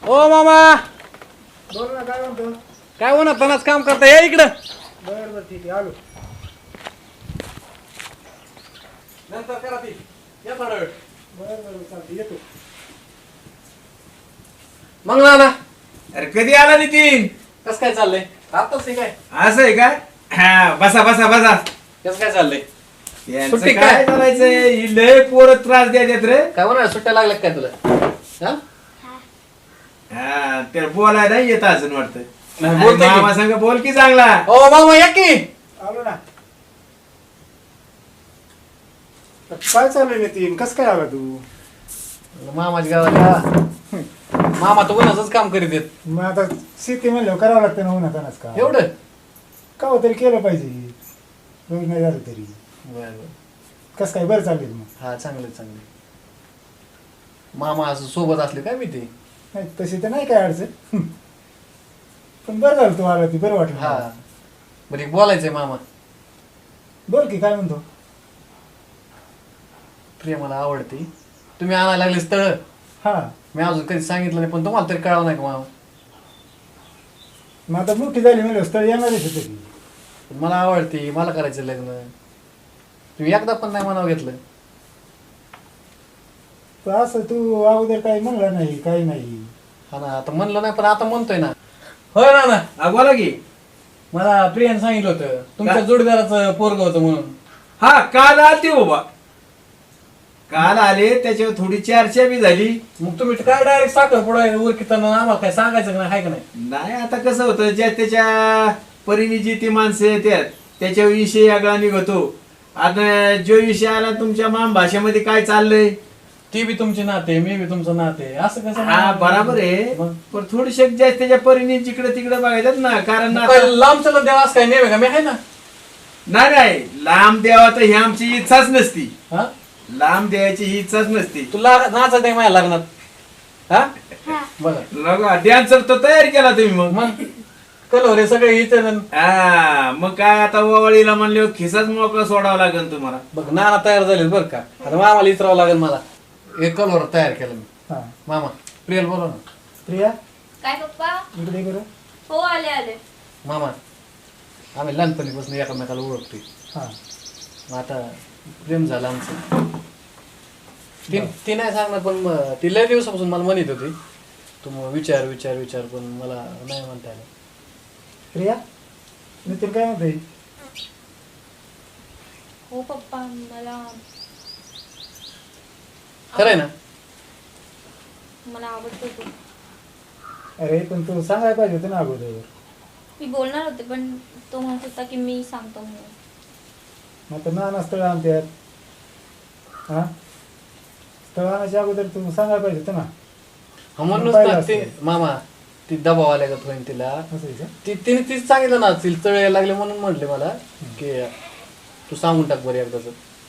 ओ मामा बोल ना, काय म्हणतो? काय होणार तनाच काम करता या इकडं. बरं बरं ठीक आहे, आलो. नंतर करा ती या थोडा वेळ. बरं बरं चालतं, येतो. मग ना अरे कधी आला नितीन? कस काय चाललंय आताच ते काय असं आहे का? हा बसा बसा बसा. कस काय चाललंय यांचं सुट्टी काय काय? करायचंय? ही लय पोरं त्रास द्यायच्यात रे. काय होणार सुट्ट्या लागल्या काय तुला हा? हा ते बोलाय नाही येत अजून वाटतं. नाही, बोलतोय की. मामा संग बोल की चांगला. ओ मामा या की. आलो ना. काय चाललंय नितीन? कसं काय आला तू? मामाच्या गावाला मामा तर उन्हाचंच काम करीत आहेत. मग आता शेती म्हणल्यावर करावं लागतं ना उन्हातानाच का? एवढं का हो तरी केलं पाहिजे. रोज नाही झालं तरी. बरं बरं कसं काय बरं चाललंय मग? हा चांगले चांगले. मामा असं सोबत असले काय मी ते नाही तशी तर नाही काय अडचण. पण बरं झालं तू आला ती बरं वाटलं हा मला. बरं एक बोलायचंय मामा. बोल की काय म्हणतो? प्रिया मला आवडते. तुम्ही आणायला लागले स्थळ हा मी अजून कधी सांगितलं नाही पण तुम्हाला तरी कळावं नाही का मामा. मग आता मोठी झाली म्हणलं स्थळ येणारच आहे तरी. पण मला आवडते मला करायचं लग्न. तुम्ही एकदा पण नाही मनावर घेतलं. पण असं तू अगोदर काही म्हणलं नाही काही नाही. हा ना आता म्हणलं नाही पण आता म्हणतोय ना. होय ना ना हा, बोला की. मला प्रियाने सांगितलं होतं तुमच्या काय? जोडीदाराचं पोरग होतं म्हणून. हा काल आलती बाबा. काल आले त्याच्यावर थोडी चर्चा बी झाली. मग तुम्ही काय डायरेक्ट साखर पुढे उरकिताना आम्हाला काय सांगायचं का नाही हाय का नाही. नाही आता कसं होतं ज्या त्याच्या परीने जी ती माणसं येतात त्याच्या विषयी आगळा निघतो. आता जो विषय आला तुमच्या माम भाषेमध्ये काय चाललंय ती बी तुमचे नाते मी बी तुमचं नाते असं कसं. हा बराबर आहे. मग पण थोडीशे ज्या त्याच्या परीने जिकडे तिकडे बघायच्यात ना. कारण मग आता- काय लांब चला देवा असं काय नेहमी का मी आहे ना. नाही लांब द्यावा तर ही आमची इच्छाच नसती. हा लांब द्यायची ही इच्छाच नसती. तुला नाचायचं नाही माझ्या लग्नात हा बघा. लगा डान्सर तर तयार केला तुम्ही मग. मग कलो रे सगळे इथे हा मग काय आता ओवाळीला म्हणले खिसाच मोकळा सोडावा लागेल तुम्हाला. बघ नाना तयार झाले बरं का. आता मामाला इतरावं लागेल मला. एक कलवर तयार केलं मी. हा मामा प्रियल बोला ना. प्रिया काय पप्पा? इकडे बरं. हो आले आले. मामा आम्ही लहानपणीपासून एकमेकाला ओळखतोय. हा मग आता प्रेम झालं आमचं. ती नाही सांगणार पण ती लय दिवसापासून मला म्हणत होती तू मग विचार विचार विचार पण मला नाही म्हणता आलं. प्रिया नितीन काय म्हणते? हो पप्पा मला खरं आहे ना. मला आवडतो तू. अरे पण तू सांगायला पाहिजे होतं ना अगोदर. मी बोलणार होते पण तो म्हणत होता की मी सांगतो म्हणून. मग तर नाना स्थळ आणतात. हा स्थळ आणायच्या अगोदर तू सांगायला पाहिजे होतं ना. हा म्हणूनच पाहिलं ना ते असतं. मामा ती दबाव आल्या का होईन तिला. असं आहे का? तिने तीच सांगितलं ना तिला तळ यायला लागले म्हणून म्हटले मला की तू सांगून टाक बरं एकदाच.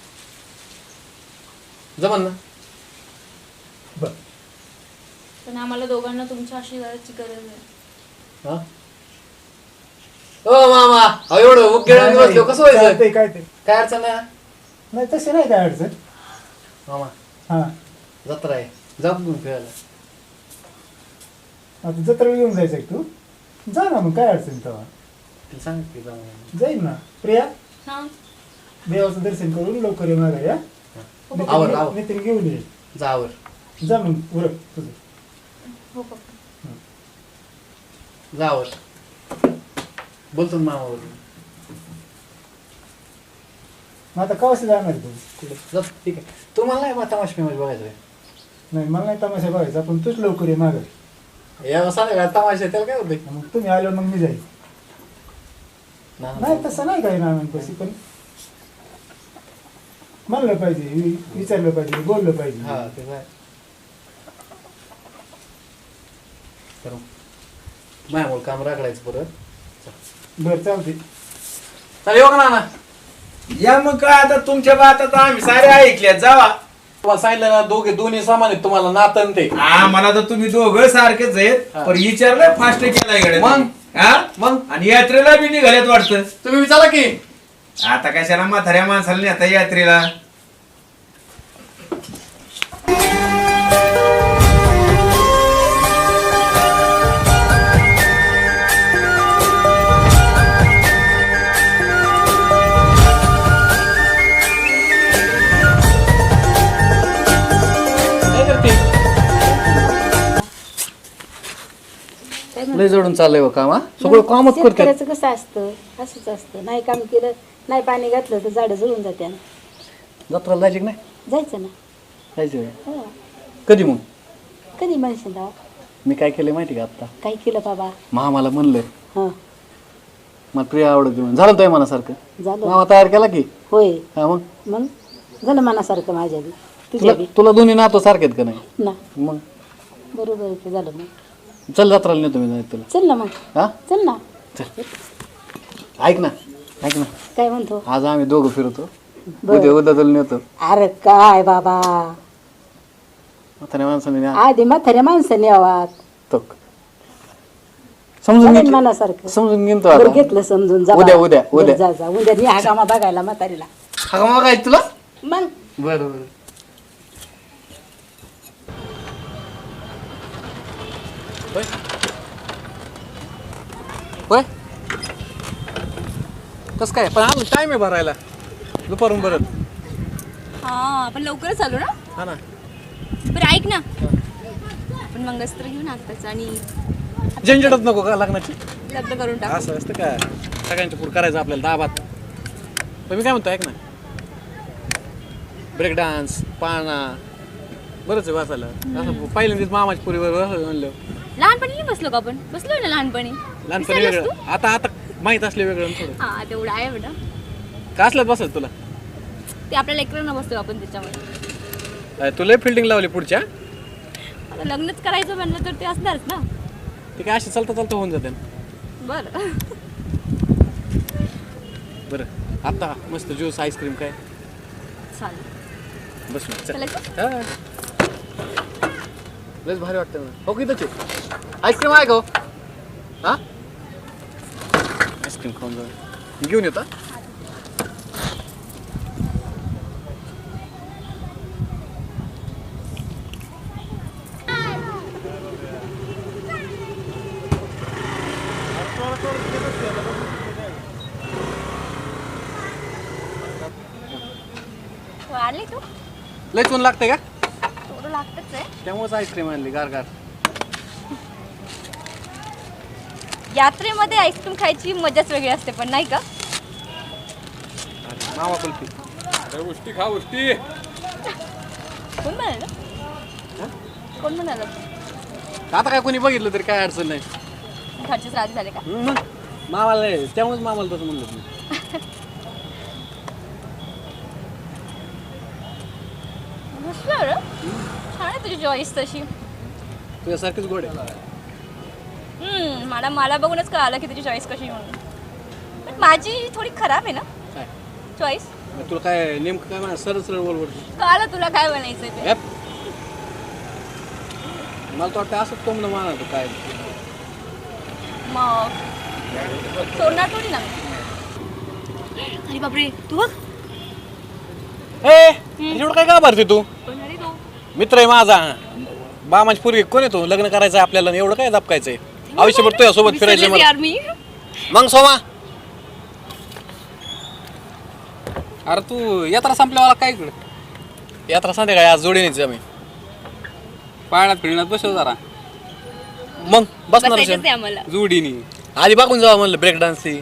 जमन ना. बर पण आम्हाला दोघांना तुमच्या आशीर्वादाची गरज आहे. हा ओ मामा अहो एवढं उकेळ बसलो कसं व्हायचं. ते काय ते काय अडचण नाही. नाही तसे नाही काय अडचण. मामा हा जत्रा आहे जाऊ घेऊन फिरायला. आता जत्रा घेऊन जायचं तू जा ना मग काय अडचण तेव्हा तिला सांग की जाऊ म्हणून. जाईल ना. प्रिया हा देवाचं दर्शन करून लवकर ये मागा या. आवर आवर नितीन घेऊन ये. जा आवर. जा मग उरक तुझं. हो पप्पा. जा आवर. बोलतो ना मामावर. मग आता कवाशी जाणार तू? कुठे जा ठीक आहे. तुम्हाला नाही मग तमाशा फेमस बघायचं आहे. नाही मला नाही तमाशा बघायचा पण तूच लवकर ये मागं. या सांगा तमाशा आहे, त्याला काय होते. मग तुम्ही आल्यावर मग मी जाईल. नाही तसं नाही काही नानांपाशी पण म्हणलं पाहिजे विचारलं पाहिजे बोललं पाहिजे. हा ते काय करू माझ्यामुळे काम राखडायचं परत. बरं चालते. चालेल येऊ का नाना. या मग काय आता तुमच्या बात आता आम्ही सारे ऐकल्या जावा. तुम्हाला सांगितलं ना दोन्ही सामान आहेत तुम्हाला नातन ते. हा मला तर तुम्ही दोघं सारखेच आहेत. हा. पण विचारलं फास्ट केलाय गड्या मग? तुम्ही. हा मग आणि यात्रेला बी निघाल्यात वाटतं. तुम्ही विचारा की. आता कशाला म्हाताऱ्या माणसाला नाही आता यात्रेला. लय जडून चाललंय हो काम, हा सगळं कामच करते. शेतकऱ्याचं कसं असतं, असंच असतं. नाही काम केलं, नाही पाणी घातलं तर झाडं जळून जाते. जत्राला जायची की नाही? जायचं ना. जायचं होय. हो. कधी मग? कधी म्हणशील राव? मी काय केलं माहिती का आता? काय केलं बाबा? मामाला म्हणलं हां मला प्रिया आवडत म्हणून. झालं तो मनासारखं? झालं. मामा तयार केला की? होय. हा मग मग झालं मनासारखं माझ्या बी. तुझ्या तुला बी तुला दोन्ही नातो सारखे आहेत का नाही? ना. मग बरोबर आहे की झालं मग. चल जत्राला नेतो मी तुला. चल ना मग. हा चल ना. चल. ऐक ना ऐक ना, काय म्हणतो? आज आम्ही दोघं फिरतो. बरं. उद्या तुला नेतो. अरे काय बाबा, म्हाताऱ्या माणसाने न्या. आधी म्हाताऱ्या माणसाने यावात. तो समजून झालं घेतलं. मनासारखं. समजून घेतो बरं आता. घेतलं समजून. जा उद्या, बा. उद्या, बरं, उद्या. जा जा उद्या नी हा कामा बघायला म्हातारीला. हा मग काय तुला? मग बरं बरं. होय होय कसं काय पण अजून टाइम आहे भरायला दुपारून परत. हा आपण लवकरच आलो ना. हा ना. बरं ऐक ना, आपण मंगळसूत्र घेऊन आताच आणि झंझटच नको का लग्नाची? लग्न करून टाकू. असं असतं का? सगळ्यांच्या पुढे करायचं आपल्याला दाबात. पण मी काय म्हणतो ऐक ना, ब्रेक डान्स पाळणा बरंच आहे वाचायला. असं पहिल्यांदाच मामाच्या पुरीवर असं म्हणलं. लहानपणी नाही बसलो का आपण? बसलोय ना लहानपणी. लहानपणी विसरलास वेगळं, तू? आता आता माहीत असले वेगळं थोडं. हा तेवढं आहे बेटा. का असलं बसत तुला? ते आपल्या लेकरांना बसतो आपण त्याच्यामध्ये. तुला फिल्डिंग लावली पुढच्या? आता लग्नच करायचं म्हणलं तर ते असणारच ना. ते काय असे चालता चालता होऊन जाते. बरं बरं आता मस्त ज्यूस आईस्क्रीम काय चालेल. बस चल. चालायचं? हा. लयच भारी वाटतं मला. हो की त्याचे आईस्क्रीम आहे का हो? हा आईस्क्रीम खाऊन जाऊ. घेऊन येता. वाढले तू? लयच ऊन लागतंय का? थोडं लागतच आहे. त्यामुळेच आईस्क्रीम आणली गार गार. यात्रेमध्ये आईस्क्रीम खायची मजाच वेगळी असते पण नाही का? मामा कुल्फी. उष्टी खा उष्टी. कोण म्हणाल? कोण म्हणाल? आता काय कोणी बघितलं तरी काय अडचण नाही. घरचेच राजी झाले का? मग मामाला त्यामुळेच मामाला तसं म्हणलं तुम्ही. मस्त आहे रे. छान आहे तुझी चॉईस तशी. तुझ्यासारखीच गोड आहे. मला बघूनच कळालं की तुझी चॉईस कशी म्हणून. पण माझी थोडी खराब आहे ना काय चॉईस. मग तुला काय नेमकं काय म्हणा सरळ सरळ बोल. कळालं तुला काय बनायचंय ते. मला तर वाटतं असं कोंबडं माना तू काय. मग सोडणार थोडी ना. अरे बापरे तू बघ. एवढं काय का भरते तू? कोण अरे तू? मित्र आहे माझा. बामाची पूर्वी कोण आहे तू? लग्न करायचं आपल्याला आणि एवढं काय दपकायचंय? आयुष्यभर तुझ्या सोबत फिरायचं विसरलेच मला. यार मी. मग सोमा अरे तू यात्रा संपल्यावाला काय इकडे यात्रा संध्याकाळी आज जोडीनेच आम्ही. पाळण्यात फिरण्यात बसव जरा मग बसणार बसायचंच आहे आम्हाला. जोडीनी. आधी बघून जावा म्हणलं ब्रेक डान्सची.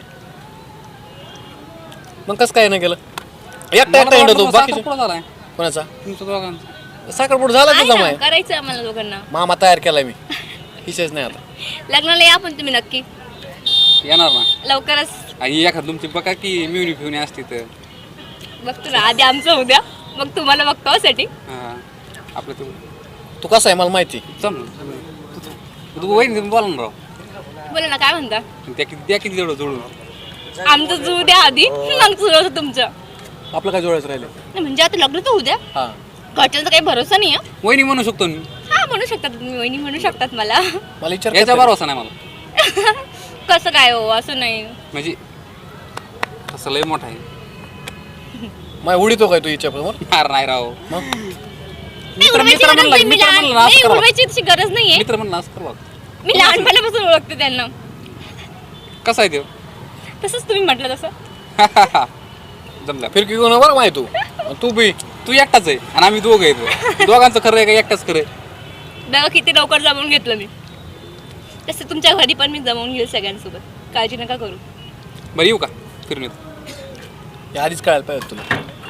मग कसं काय नाही केलं? एकटा एकटा हिंडतो तू बाकी साखरपुडा झालाय कोणाचा? तुमच्या दोघांचा. साखरपुड झाला आहे तुझा ना, माय. करायचं आम्हाला दोघांना. मामा तयार केलाय मी. हिशेच नाही आता. लग्नाला या पण तुम्ही नक्की येणार ना. लवकरच. आणि एखाद तुमची बघा की मिळून फिरून असती तर. बघतो ना आधी आमचं उद्या मग तुम्हाला बघतो साठी. हा. आपलं तू तू कसा आहे मला माहिती. चल तू वहीन बोला ना राव. बोला ना काय म्हणता. त्या किती जेवढं जोडून. आमचं जू द्या आधी मग सुरू होतं तुमचं. आपलं काय जोडायचं राहिलं? नाही, म्हणजे आता लग्न तर उद्या. हा घरच्यांचा काही भरोसा नाही आहे. वहिनी म्हणू शकतो मी. हा म्हणू शकतात तुम्ही वहिनी म्हणू शकतात मला. मला विचार याचा करता भरोसा नाही मला. कसं काय हो असं नाही. म्हणजे तसं लय मोठा आहे. माय उडीतो काय तू हिच्याबरोबर? फार नाही राव. मग नाही, उडवायची गरज नाही. मी लहान- नाही, उडवायची तशी गरज नाहीये. मित्र म्हणलं असं करवा. मी लहानपणापासून ओळखते त्यांना. कसा आहे देव? तसंच तुम्ही म्हटलं तसं. जमला. फिरकी घेऊन बरं माहिती तू बी. तू एकटाच आहे आणि आम्ही दोघं आहेत. दोघांचं खरं आहे का एकटाच खरं आहे? बघा किती लवकर जमून घेतलं मी. तसं तुमच्या घरी पण मी जमवून घेईल सगळ्यांसोबत, काळजी नका करू. बरं येऊ का फिरून येतो. हे आधीच कळायला पाहिजे तुला.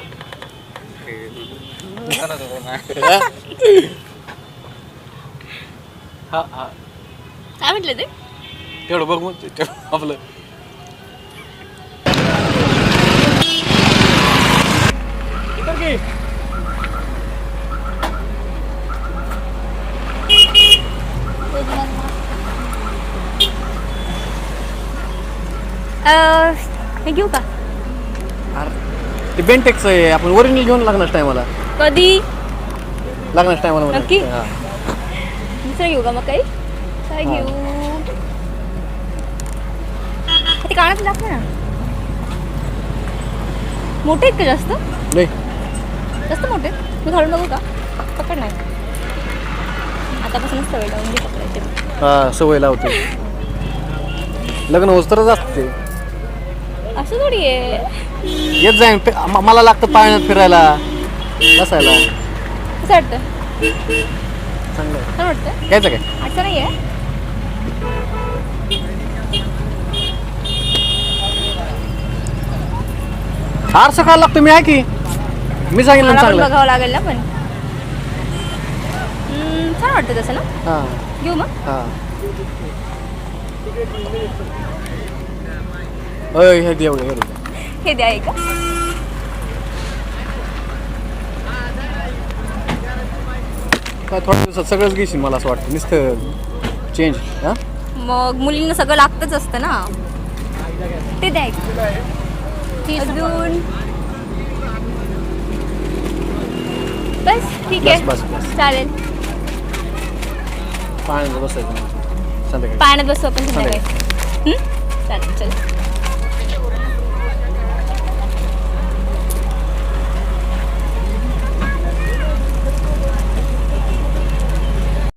हा हा काय म्हटलं ते? तेवढं बघ मग आपलं. हे घेऊ का? ते बेंटेक्स आहे, आपण ओरिजिनल घेऊन लागणार टायमाला. कधी? लागणार टायमाला नक्की? दुसरं घेऊ का मग काही? काय घेऊ? ते कानात लागतं ना. मोठे आहेत का जास्त? नाही जास्त मोठे? मी घालून बघू का? पकड नाही. आतापासूनच सवय लावून घे पकडायची. हा सवय लावतो. लग्न होस तरच असते. असं थोडी आहे. येत जाईन मला लागतं पाण्यात फिरायला बसायला. कसं वाटतं? चांगलं आहे. छान वाटतं? घ्यायचं काय? असं नाही आहे. आरसा काय लागतो मी आहे की मी सांगितलं मला पण चांगलं. बघावं लागेल ना पण. छान वाटतं तसं ना. हा घेऊ मग. हा अय हे दे एवढं हे द्या का? काय थोड्या दिवसात सगळंच घेशील मला असं वाटतं नुसतं चेंज. हां मग मुलींना सगळं लागतच असतं ना. ते द्या अजून. बस ठीक आहे. बस, बस, बस. चालेल. पाण्यात बसायचं संध्याकाळी. पाण्यात बसू आपण संध्याकाळी. चालेल चल.